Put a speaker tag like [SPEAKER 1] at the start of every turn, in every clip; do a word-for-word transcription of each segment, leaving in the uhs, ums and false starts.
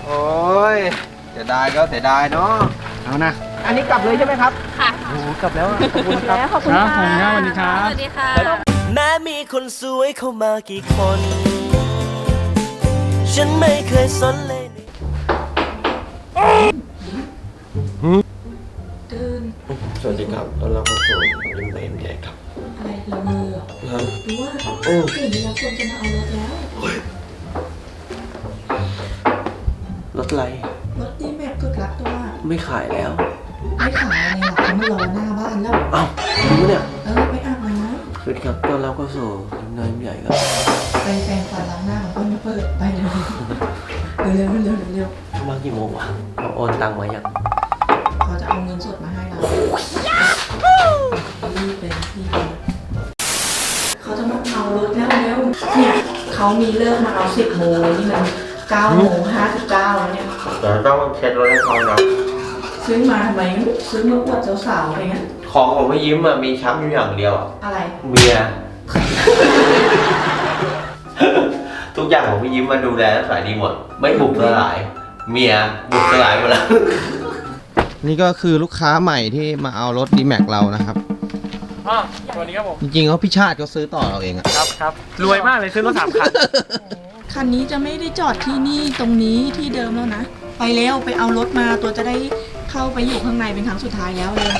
[SPEAKER 1] โอ้ยเสียดายก็เสียดายเนาะเอานะอันนี้กลับเลยใช่ไหมครับค่ะโอ้กลับแล้วขอบคุณครับ
[SPEAKER 2] ขอบคุณค่ะสวัสดีครับ
[SPEAKER 3] สวัสดีค่ะ
[SPEAKER 4] แม้มีคนสวยเข้ามากี่คนฉันไม่เคยสนเลยสวัสดีครับตอนรับเข้าสู่ยิ้มเอ็มใหญ่ครับ
[SPEAKER 2] อะไรละมือเหรอหรือว่าตื่นเวลาคนจะมาเอารถแล้ว
[SPEAKER 4] รถอะไร
[SPEAKER 2] รถดีแม็กกึกรักตัว
[SPEAKER 4] ไม่ขายแล้ว
[SPEAKER 2] ไม่ขายอะไรหรอกเขามารอหน้าบ้านแล้ว
[SPEAKER 4] อ้าวรู้เนี่ย
[SPEAKER 2] เออไปอาบน้
[SPEAKER 4] ำสวัสดีครับตอนรับเข้าสู่ยิ้มเอ็มใหญ่ครับ
[SPEAKER 2] ไปแปรงฟันล้างหน้าก่อนไม่เปิดไปเลยเร็วเร็วเร็วเร็ว
[SPEAKER 4] มากี่โมงวะเราโอนตังค์มายัง
[SPEAKER 2] เขาจะเอาเงินสดมาให้เรารีบเลยรีบเลยเขาจะมาเอารถแล้วเร็วเนี่ยเขามีเลิกมาเอาสิบโมงนี่มันเก้าโมงห้าสิบเก้าแล้วเนี่ย
[SPEAKER 4] แต่ต้องเช็ดรถให้เขานะ
[SPEAKER 2] ซื้อมาทำไมซื้อมาอวดสาวๆอะไรเงี้ย
[SPEAKER 4] ของของไม่ยิ้มอะมีช้ำอยู่อย่างเดียวอะ
[SPEAKER 2] อะไร
[SPEAKER 4] เมียทุกอย่างของพี่ยิ้มมาดูแลและสายดีหมดไม่บุกสลายเมียบุกสลายหมดแล้ว
[SPEAKER 1] นี่ก็คือลูกค้าใหม่ที่มาเอารถ ดีแม็ก เรานะครับ
[SPEAKER 5] อ๋อสวัสดีครับผม
[SPEAKER 1] จริงๆเขาพี่ชาติเขาซื้อต่อเราเองอะ
[SPEAKER 5] ครับครับรวยมากเลยซื้อรถสามคัน
[SPEAKER 2] คันนี้จะไม่ได้จอดที่นี่ตรงนี้ที่เดิมแล้วนะไปเร็วไปเอารถมาตัวจะได้เข้าไปอยู่ข้างในเป็นครั้งสุดท้ายแล้วเลย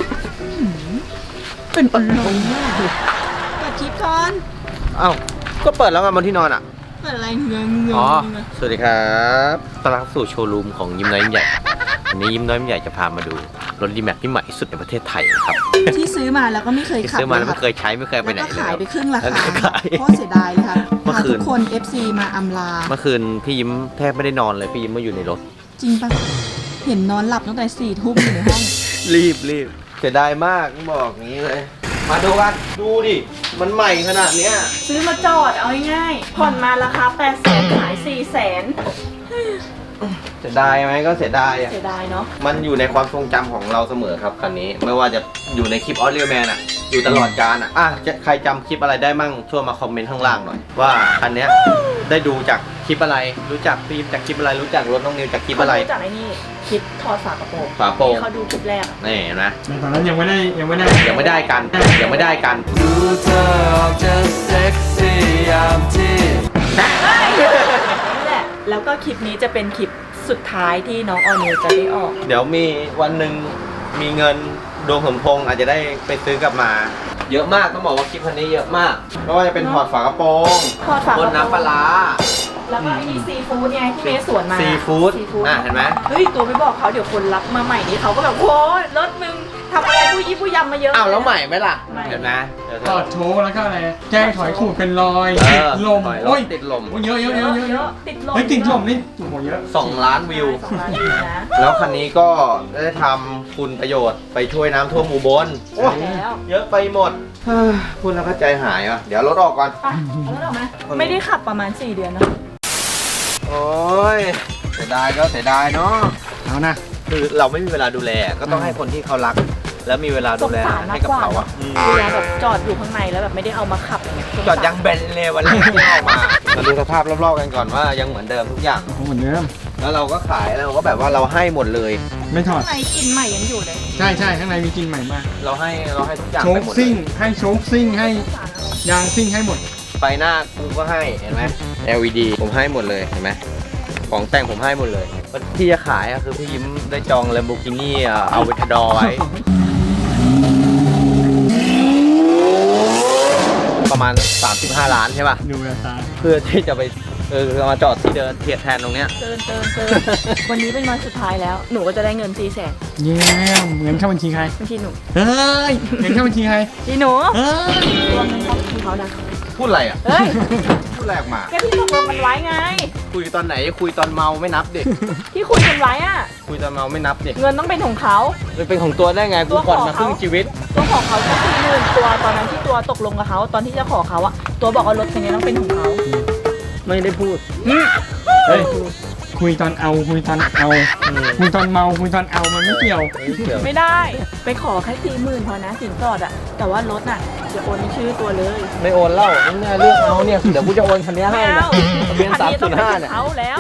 [SPEAKER 2] เป็นอารมณ์มากเปิดคลิปก่อน
[SPEAKER 1] เอ้าก็เปิดแล้วไงบนที่นอนอ่ะ
[SPEAKER 2] เปิดอะไรเงงเงง
[SPEAKER 1] อ๋อสวัสดีครับ
[SPEAKER 4] ต้อนรับสู่โชว์รูมของยิ้มน้อยยิ้มใหญ่วันนี้ยิ้มน้อยยิ้มใหญ่จะพามาดูรถดีแม็กที่ใหม่ที่สุดในประเทศไทยครับ
[SPEAKER 2] ที่ซื้อมาแล้วก็ไม่เคยขับ
[SPEAKER 4] ซื้อมาแล้วไม่เคยใช้ไม่เคยไปไหนเลย
[SPEAKER 2] ขายไปครึ่งราคาเพราะเสียดายค่ะพาทุกคน เอฟ ซี มาอำลา
[SPEAKER 4] เมื่อคืนพี่ยิ้มแทบไม่ได้นอนเลยพี่ยิ้มมาอยู่ในรถ
[SPEAKER 2] จริงปะเห็นนอนหลับตั้งแต่สี่ทุ่มอยู่ในห้อง
[SPEAKER 1] รีบรีบเสียดายมากบอกงี้เลยมาดูกันดูดิมันใหม่ขนาดเนี้ย
[SPEAKER 2] ซื้อมาจอดเอาง่ายๆผ่อนมาราคาแปดแสนขายสี่แสน
[SPEAKER 1] เสียดายไหมก็เสียดายอ่ะ
[SPEAKER 2] เสียดายเนาะ
[SPEAKER 1] มันอยู่ในความทรงจำของเราเสมอครับคันนี้ไม่ว่าจะอยู่ในคลิปออสเรียลแมนอ่ะอยู่ตลอดกาลอ่ะอ่ะใครจำคลิปอะไรได้มั่งช่วยมาคอมเมนต์ข้างล่างหน่อยว่าคันนี้ได้ดูจากคลิปอะไรรู้จักฟิล์มจากคลิปอะไรรู้จักรถน้องนิวจากคลิปอะไร
[SPEAKER 2] รู้จักไอ้นี่คลิปถอดฝากระโปรง
[SPEAKER 1] ฝาโปรง
[SPEAKER 2] เขาดูคลิปแรก
[SPEAKER 1] นี่นะ
[SPEAKER 5] ตอนนั้นยังไม่ได้ยังไม่ได้
[SPEAKER 1] ยังไม่ได้กันยังไม่ได้กัน
[SPEAKER 4] ดูเธอออกจะเซ็กซี่ยามที่
[SPEAKER 2] นี่แหละแล้วก็คลิปนี้จะเป็นคลิปสุดท้ายที่น้องออนิวจะได้ออก
[SPEAKER 1] เดี๋ยวมีวันหนึ่งมีเงินดวงสมพงษ์อาจจะได้ไปซื้อกลับมาเยอะมากต้องบอกว่าคลิปคันนี้เยอะมากไม่ว่าจะเป็นถอดฝากระโปรง
[SPEAKER 2] ถอดฝากระโปรง
[SPEAKER 1] น้ำปลา
[SPEAKER 2] แล้วก็ไอ้นี่ซีฟู้ดไงที่เมสวนมา
[SPEAKER 1] ซีฟู้ดอ่ะเห็นไหม
[SPEAKER 2] เฮ้ยตัวไม่บอกเขาเดี๋ยวคนรับมาใหม่นี้เขาก็แบบโอ้ยรถมึงทำอะไรผู้ยี่ผู้ยำมาเยอะ
[SPEAKER 1] อ้าวแล้วใหม่ไหมล่ะเห็นไหม
[SPEAKER 5] ถอดโชว์แล้วก็อะไรแจ้งถอยขูดเป็นรอยติดลม
[SPEAKER 1] โอ้ยติดลม
[SPEAKER 5] เยอะเยอะเยอะเยอะ
[SPEAKER 2] ติดลม
[SPEAKER 5] เฮ้ยติดลมนี่โอ้โหเยอะ
[SPEAKER 1] สองล้านวิวแล้วคันนี้ก็ได้ทำคุณประโยชน์ไปช่วยน้ำท่วมอุบลโอ้เยอะไปหมดพูดแล้วก็ใจหายอ่ะเดี๋ยวรถออกก่อน
[SPEAKER 2] ไปเอารถออกไหมไม่ได้ขับประมาณสี่เดือนนะ
[SPEAKER 1] โอ้ยเสียดายก็เสียดายเนาะเอานะคือเราไม่มีเวลาดูแลก็ต้องให้คนที่เขารักแล้วมีเวลาดูแลให้กับเขาอ่ะ
[SPEAKER 2] เวลาแบบจอดอยู่ข้างในแล้วแบบไม่ได้เอามาขับอย่างเงี้ย
[SPEAKER 1] จอดยังเบนเลยวันแรกที่ออกมามาดูสภาพรอบๆกันก่อนว่ายังเหมือนเดิมทุกอย่าง
[SPEAKER 5] เหมือนเดิม
[SPEAKER 1] แล้วเราก็ขายแล้วก็แบบว่าเราให้หมดเลย
[SPEAKER 5] ไม่ถอด
[SPEAKER 2] ข้างในกลิ่นใหม่ยังอยู่เลย
[SPEAKER 5] ใช่ใช่ข้างในมีกลิ่นใหม่มาก
[SPEAKER 1] เราให้เราให้ทุกอย่าง
[SPEAKER 5] โชคซิ่งให้โชคซิ่งให้ยางซิ่งให้หมด
[SPEAKER 1] ไฟหน้ากูก็ให้เห็นไหม แอล อี ดี ผมให้หมดเลยเห็นไหมของแต่งผมให้หมดเลยที่จะขายก็คือพี่ยิ้มได้จอง Lamborghini เอาเวทดอไว้ประมาณสามสิบห้าล้านใช่ป่ะ
[SPEAKER 5] ดูแลตา
[SPEAKER 1] เพื่อที่จะไปเออมาจอดที่เดินเทียดแทนตรงเนี้ย
[SPEAKER 2] เตินเตินเตินวันนี้เป็นวันสุดท้ายแล้วหนูก็จะได้เงินสี่แสน
[SPEAKER 5] เยี่ยมเงินเข้าบัญชีใคร
[SPEAKER 2] บัญชีหนู
[SPEAKER 5] เฮ้ยเงินเข้าบัญชีใคร
[SPEAKER 2] บัญชีหนูเฮ้ยรวมเงินเข้าบัญชีเขานะ
[SPEAKER 1] พูดอะไรอ่ะ
[SPEAKER 2] เฮ้ย
[SPEAKER 1] พูดแรกมา
[SPEAKER 2] แกพี่ตกลงกันไว้ไง
[SPEAKER 1] คุยตอนไหนคุยตอนเมาไม่นับดิ
[SPEAKER 2] ที่คุยกันไว้อ่ะ
[SPEAKER 1] คุยตอนเมาไม่นับดิ
[SPEAKER 2] เงินต้องเป็นของเขา
[SPEAKER 1] เป็นของตัวได้ไงกูผ่อนมาครึ่งชีวิต
[SPEAKER 2] ตัวของเขาก็คือหมื่นตัวตอนนั้นที่ตัวตกลงกับเขาตอนที่จะขอเขาอะตัวบอกว่ารถคันนี้ต้องเป็นของเขา
[SPEAKER 1] ไม่ได้พูด
[SPEAKER 5] เฮ้ยคุยตอนเอาคุยตอนเอาคุยตอนเมาคุยตอนเอามันไม่เกี่ยว
[SPEAKER 2] ไม่ได้ไปขอแค่สี่หมื่นพอนะสินสอดอะแต่ว่ารถน่ะจะโอนในชื่อตัวเลย
[SPEAKER 1] ไม่โอนเล่าเนี่ยเรื่องเอาเนี่ยเดี๋ยวกูจะโอนคันนี้ให้นะทะเบียนสามศูนย์ห้าเนี่ย
[SPEAKER 2] เขาแล้วไม่เกี่ยว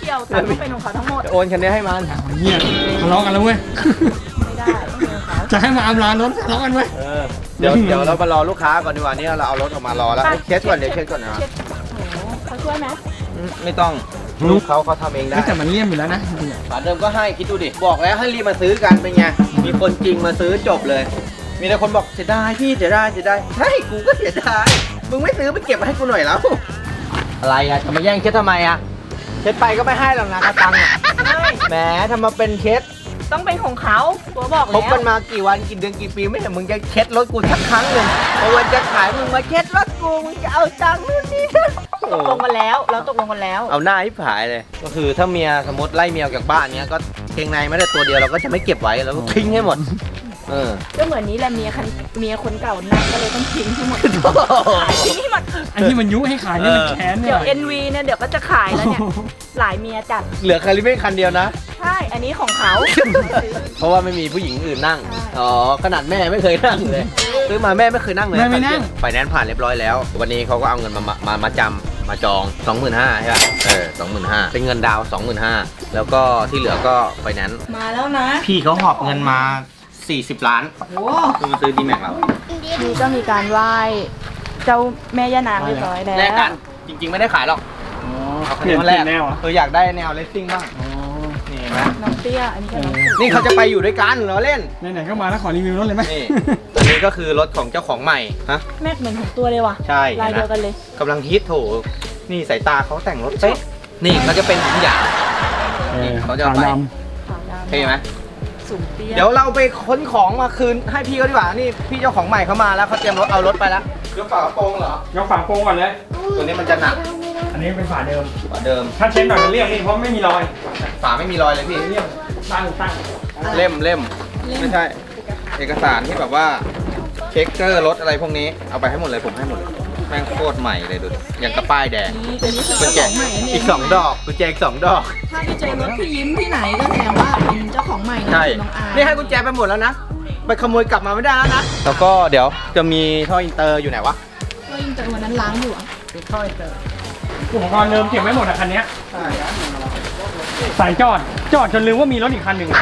[SPEAKER 2] กี่ยวตังค์ก็เป็นของเขาทั้งหมด
[SPEAKER 1] จะโอนคันนี้ให้มัน
[SPEAKER 5] เฮียทะเลาะกันแล้วเว้ย
[SPEAKER 2] ไม่ได้ไม่เป็นของเขา
[SPEAKER 5] จะให้มาอำลารถทะเลาะกันเว้ย
[SPEAKER 1] เออเดี๋ยวเดี๋ยวเรามารอลูกค้าก่อนดีกว่านี่เราเอารถออกมารอแล้วเอ้ยเช็ดก่อนเดี๋ยวเช็ดก่อนนะ
[SPEAKER 2] เช็ดโอ้โหเขาช่วยไหม
[SPEAKER 1] อืมไม่ต้องลูกเขาเขาทำเองได้
[SPEAKER 5] เฮ้ยแต่มันเลี่ยมอยู่แล้วนะจริงๆอะ
[SPEAKER 1] ฝาเดิมก็ให้คิดดูดิบอกแล้วให้รีบมาซื้อกันเป็นไงมีคนจริงมาซื้อจบเลย มีแต่คนบอกเสียดายพี่เสียดายเสียดายใช่กูก็เสียดายมึงไม่ซื้อไปเก็บมาให้กูหน่อยแล้วอะไรอะจะมาแย่งเช็ดทำไมอะเช็ดไปก็ไม่ให้หรอกนะกระตังอะแหมทำมาเป็นเช็ด
[SPEAKER 2] ต้องเป็นของเขาตัวบอก
[SPEAKER 1] คบ
[SPEAKER 2] แล้ว
[SPEAKER 1] กันมากี่วันกี่เดือนกี่ปีไม่เห็นมึงจะเช็ดรถกูสักครั้งหนึ่งพอวันจะขายมึงมาเช็ดรถกูมึงจะเอาตังค์นู่นนี่นั่น
[SPEAKER 2] ตกลงกันแล้วเราตกลงกันแล้ว
[SPEAKER 1] เอาหน้าให้ผายเลย ก็คือถ้าเมียสมมติไล่เมียออกจากบ้านเนี้ยก็เกงในไม่ได้ตัวเดียวเราก็จะไม่เก็บไว้เราก็ทิ้งให้หมดเออ
[SPEAKER 2] ก็เหมือนนี้แหละเมียคันเมียคนเก่านั่งก็เลยต้องทิ้งทั้งหมดขายทิ้งให้หมด
[SPEAKER 5] ไอ้ที่มันยุให้ขายนี่มันแค้นเนี่
[SPEAKER 2] เดี๋
[SPEAKER 5] ย
[SPEAKER 2] ยว เอ็น วี เนี่ยเดี๋ยวก็จะขายแล้วเนี่ยหลายเมียจัด
[SPEAKER 1] เหลือคาริเม่คันเดียวนะ
[SPEAKER 2] ใช่อันนี้ของเขา
[SPEAKER 1] เพราะว่าไม่มีผู้หญิงอื่นนั่ง
[SPEAKER 2] ใช่
[SPEAKER 1] อ๋อ ขนาดแม่ไม่เคยนั่งเลย ซื้อมาแม่ไม่เคยนั่งเลย
[SPEAKER 5] แม่ไม่นั่ง
[SPEAKER 1] ไฟแนนซ์ผ่านเรียบร้อยแล้ว วันนี้เขาก็เอาเงินมา มา มาจำมาจอง สองหมื่นห้าพัน ใช่ป่ะ เออ สองหมื่นห้าพัน เป็นเงินดาวน์ สองหมื่นห้าพัน แล้วก็ที่เหลือก็ไฟแนนซ์
[SPEAKER 2] มาแล้วนะ
[SPEAKER 1] พี่เขาหอบเงินมา สี่สิบล้าน
[SPEAKER 2] โอ้
[SPEAKER 1] เพื่อมาซื้อดีแม็กเรา
[SPEAKER 2] นี่ก็มีการไหว้เจ้าแม่ย่านางเรียบร้อยแล้ว
[SPEAKER 1] แลกกัน จริง ๆ ไม่ได้ขายหรอก
[SPEAKER 5] อ๋อ
[SPEAKER 1] เอาคัน
[SPEAKER 5] เปลี่
[SPEAKER 1] นี้
[SPEAKER 5] ยน
[SPEAKER 1] มา
[SPEAKER 5] เป
[SPEAKER 1] แล
[SPEAKER 5] ลี่ย
[SPEAKER 1] ก
[SPEAKER 5] นแนวเหรอ่ะ
[SPEAKER 1] เอออยากได้แนวเลสซิ่งบ้าง
[SPEAKER 5] อ๋อ
[SPEAKER 1] นี่เห็นไหม
[SPEAKER 2] น้องเตี้ยอันนี้ก็น้องสุ
[SPEAKER 1] นี่เขาจะไปอยู่ด้วยกันเราเล่น
[SPEAKER 5] ไหนๆก็มาแล้วขอรีวิวรถเลยไหม
[SPEAKER 1] นี่ อันนี้ก็คือรถของเจ้าของใหม่ ฮะ
[SPEAKER 2] แม็กเหมือนของตัวเลยว่ะ
[SPEAKER 1] ใช่
[SPEAKER 2] ลายเดียวกันเลย
[SPEAKER 1] กำลังฮิตโถ นี่สายตาเขาแต่งรถเป๊ะนี่เขาจะเป็นทุกอย่าง
[SPEAKER 5] เออ
[SPEAKER 1] เขาจะเอาไป
[SPEAKER 5] ขาวด
[SPEAKER 2] ขาวดำ
[SPEAKER 1] เท่ไหม
[SPEAKER 2] สูงเตี้ย
[SPEAKER 1] เดี๋ยวเราไปค้นของมาคืนให้พี่เขาดีกว่า นี่พี่เจ้าของใหม่เขามาแล้วเขาเตรียมรถเอารถไปแล้วยกฝากระโปรงเหรอ
[SPEAKER 5] ำยกฝาโปรงก่อนเลย
[SPEAKER 1] ตัวนี้มันจะหนัก
[SPEAKER 5] อันนี้เป็นฝาเดิม
[SPEAKER 1] กว่าเดิม
[SPEAKER 5] ถ้าเช็ดหน่อยมันเรียบนี่เพราะไม่มีรอย
[SPEAKER 1] ฝาไม่มีรอยเลยพี่
[SPEAKER 5] เรียบตั้งตั้ง
[SPEAKER 1] เล่มเล่มไม่ใช่ เอกสารที่แบบว่าเช็คเกอร์รถอะไรพวกนี้ เอาไปให้หมดเลยผมให้หมดเลย แม่งโคตรใหม่เลยดูดิอย่างกระป้ายแดง
[SPEAKER 2] นี่ตัวนี้คือ
[SPEAKER 1] กุญ
[SPEAKER 2] เจ้า
[SPEAKER 1] แจ
[SPEAKER 2] ของใหม่นั่นเอ
[SPEAKER 1] อี
[SPEAKER 2] ง
[SPEAKER 1] กสองดอกกุญแจอีกสองดอก
[SPEAKER 2] ถ้าไปเจอรถพี่ยิ้มที่ไหนก็แสดงว่าเป็นเจ้าของใหม่นะ
[SPEAKER 1] ใช่
[SPEAKER 2] น้องอาย
[SPEAKER 1] นี่ให้กุญแจไปหมดแล้วนะ ไปขโมยกลับมาไม่ได้แล้วนะ แล้วก็เดี๋ยวจะมีท่ออินเตอร์อยู่ไหนวะ
[SPEAKER 2] ก็ยิ่งแต่วันนั้นล้างอยู่อ่ะ
[SPEAKER 1] ท่ออินเตอร์
[SPEAKER 5] อุปกรณ์เดิมเก็บไว้หมดอะคันเนี้ยสายจอด จอดจนลืมว่ามีรถอีกคันหนึ่ง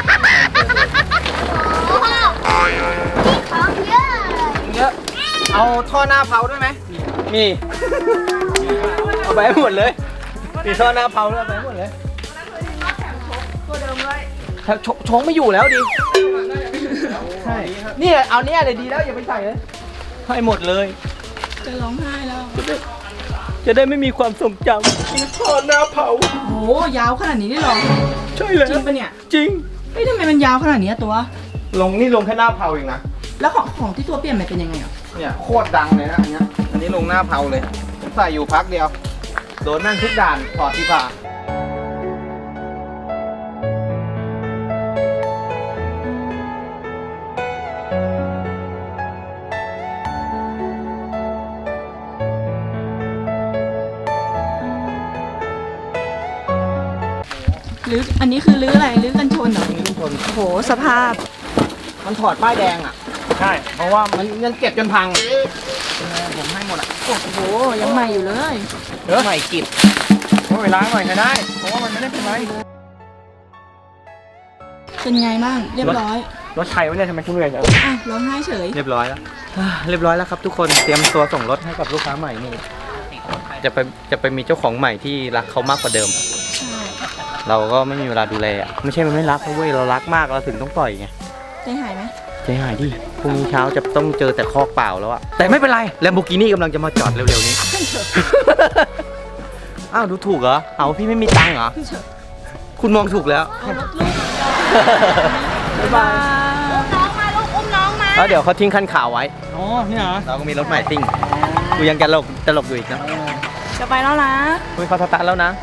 [SPEAKER 1] เยอะ เอาท่อหน้าเผาด้วยไหมมี เอาไปให้หมดเลย มีท่อหน้าเผาด้วยเอาไปให้หมดเลย
[SPEAKER 2] ตัวเดิมเลย
[SPEAKER 1] ถ้าชชงไม่อยู่แล้วดิ ใช่ นี่เอาเนี่ยเลยดีแล้วอย่าไปใส่เลย ให้หมดเลย
[SPEAKER 2] จะร้องไห้แล้ว
[SPEAKER 1] จะได้ไม่มีความทรงจำมีท่อหน้าเผา
[SPEAKER 2] โหยาวขนาดนี้ได้หรอ
[SPEAKER 1] ใช่เลย
[SPEAKER 2] จริงปะเนี่ย
[SPEAKER 1] จริง
[SPEAKER 2] เฮ้ยทำไมมันยาวขนาดนี้อะตัว
[SPEAKER 1] ลงนี่ลงแค่หน้าเผาเองนะ
[SPEAKER 2] แล้วของของที่ตัวเปลี่ยนมันเป็นยังไงอ่ะ
[SPEAKER 1] เนี่ยโคตรดังเลยนะอันเนี้ยอันนี้ลงหน้าเผาเลยผมใส่อยู่พักเดียว โดนนั่งทุกด่านถอดที่ผ่า
[SPEAKER 2] หรืออันนี้คือรื้ออะไรรื้อกันชนเหรอ
[SPEAKER 1] นี่ชน
[SPEAKER 2] โอ้โหสภาพ
[SPEAKER 1] มันถอดป้ายแดงอ่ะ
[SPEAKER 5] ใช่
[SPEAKER 1] เพราะว่ามันเงินเก็บจนพัง ผมให้หมดอ่ะ
[SPEAKER 2] โอ้โหยังใหม่อยู่เลย
[SPEAKER 1] เออใหม่กิบ
[SPEAKER 5] โอ้ยล้างหน่อยก็ได้ เพราะว่ามันไม่ได้เป็นไร
[SPEAKER 2] เป็นไงบ้างเรียบร้อย
[SPEAKER 5] รถใครวะเนี่ยทำไมคุณเหนื่อยจัง
[SPEAKER 2] อ่ะร้องไห้เฉย
[SPEAKER 1] เรียบร้อยแล้ว เรียบร้อยแล้วครับทุกคน เตรียมตัวส่งรถให้กับลูกค้าใหม่นี่ จะไปจะไปมีเจ้าของใหม่ที่รักเขามากกว่าเดิม
[SPEAKER 2] ใช่
[SPEAKER 1] เราก็ไม่มีเวลาดูแลอ่ะ ไม่ใช่มันไม่รักนะเว้ย เรารักมากเราถึงต้องปล่อยไง
[SPEAKER 2] ใจหายไหม
[SPEAKER 1] ใจหายดิ พรุ่งนี้เช้าจะต้องเจอแต่คอกเปล่าแล้วอะแต่ไม่เป็นไร แลมโบกินี่กำลังจะมาจอดเร็วๆนี้ อ้าวดูถูกเหรอ เอาพี่ไม่มีตังค์เหรอ คุณมองถูกแล้ว
[SPEAKER 2] เอารถลูก
[SPEAKER 1] บ๊ายบาย
[SPEAKER 2] น้องมาลูกอุ้มน้องมา
[SPEAKER 1] แล้วเดี๋ยวเขาทิ้งคันขาวไว้
[SPEAKER 5] อ๋อเนี่ยเหรอ
[SPEAKER 1] เราก็มีรถใหม่ซิ่ง กูยังจะหลบจะหลบอยู่อีกนะ
[SPEAKER 2] จะไปแล้วนะ
[SPEAKER 1] คุยเขาสตาร์ทแล้วนะ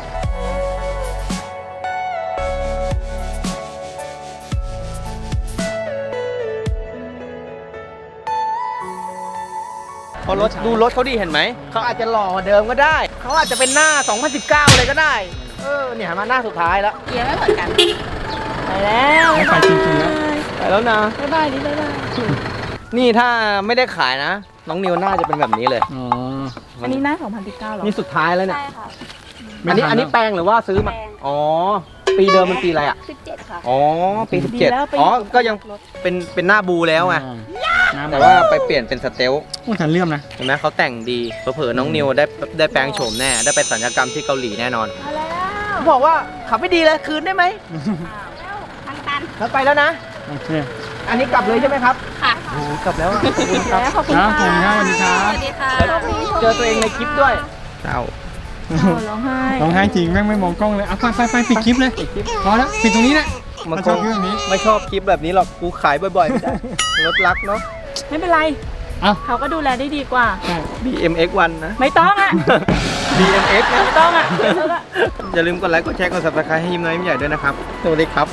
[SPEAKER 1] พอรถดูรถเขาดีเห็นไหม เขาอาจจะหล่อกว่าเดิมก็ได้ เขาอาจจะเป็นหน้า สองพันสิบเก้า เลยก็ได้ เออ เนี่ยมาหน้าสุดท้ายแล้ว
[SPEAKER 2] เกียร์ไม่เหมือนกัน ไปแล้ว
[SPEAKER 5] ไม่ไปจริงๆแล้ว
[SPEAKER 1] ไปแล้วนะ
[SPEAKER 2] บ๊ายบายดิบ๊ายบาย
[SPEAKER 1] นี่ถ้าไม่ได้ขายนะ น้องนิวน่าจะเป็นแบบนี้เลย
[SPEAKER 5] อ๋อ
[SPEAKER 2] อันนี้หน้าสองพันสิบเก้าหรอ
[SPEAKER 1] นี่สุดท้ายแล้วเนี่ย
[SPEAKER 2] ใช่ค่ะ
[SPEAKER 1] อันนี้อันนี้แปลงหรือว่าซื้อมา
[SPEAKER 3] แปลง
[SPEAKER 1] อ๋อ ปีเดิมมันปีอะไรอ่ะ
[SPEAKER 3] สิบเจ็ดค่ะ
[SPEAKER 1] อ๋อ ปีสิบ
[SPEAKER 2] ดี
[SPEAKER 1] เจ็ด
[SPEAKER 2] แล้วไป
[SPEAKER 1] อ๋อ ก็ยัง
[SPEAKER 2] รถ
[SPEAKER 1] เป็นเป็นหน้าบูแล้วไง
[SPEAKER 5] น้ำ
[SPEAKER 1] แต่ว่าไปเปลี่ยนเป็นสเตล
[SPEAKER 5] โอ้ฉันเลื่อมนะ
[SPEAKER 1] เห็นไหมเขาแต่งดีเผลอๆน้องนิวได้ได้แปลงโฉมแน่ ได้ไปสัญญกรรมที่เกาหลีแน่นอน
[SPEAKER 2] มาแล้ว
[SPEAKER 1] บอกว่าขับไม่ดีเลยคืนได้ไหม
[SPEAKER 3] ทางตัน
[SPEAKER 1] แล้วไปแล้วนะ
[SPEAKER 5] โอเค
[SPEAKER 1] อันนี้กลับเลยใช่ไหมครับ
[SPEAKER 3] ค่ะ
[SPEAKER 1] โอ้โหกลับแล้วอะขอบคุณครับ
[SPEAKER 2] แล้วขอบคุณ
[SPEAKER 5] ครับ
[SPEAKER 2] ค่ะ
[SPEAKER 5] ผมครับสวัสดีครับ
[SPEAKER 3] สวัสดีค่ะ
[SPEAKER 1] เจอตัวเองในคลิปด้วยเจ้า
[SPEAKER 2] อ้าวร้องไห้
[SPEAKER 5] ร้องไห้จริงแม่งไม่มองกล้องเลยเอาไปไปไปปิดคลิปเลยพอแล้วปิดตรงนี้แหละ
[SPEAKER 1] มัน
[SPEAKER 5] ชอบคลิปแบบนี้
[SPEAKER 1] ไม่ชอบคลิปแบบนี้หรอก กูขายบ่อยๆไม่ได้ รถรักเนาะ
[SPEAKER 2] ไม่เป็นไร
[SPEAKER 5] เอ้า
[SPEAKER 2] เขาก็ดูแลได้ดีกว่า
[SPEAKER 1] บี เอ็ม เอ็กซ์ วันนะ
[SPEAKER 2] ไม่ต้องอ่ะ
[SPEAKER 1] บี เอ็ม เอ็กซ์ นะ
[SPEAKER 2] ไม่ต้องอ่ะเดี๋ยวเถอะ
[SPEAKER 1] อย่าลืมกดไลค์ กดแชร์ กด ซับสไครบ์ให้ยิ้มน้อยยิ้มใหญ่ด้วยนะครับ สวัสดีครับ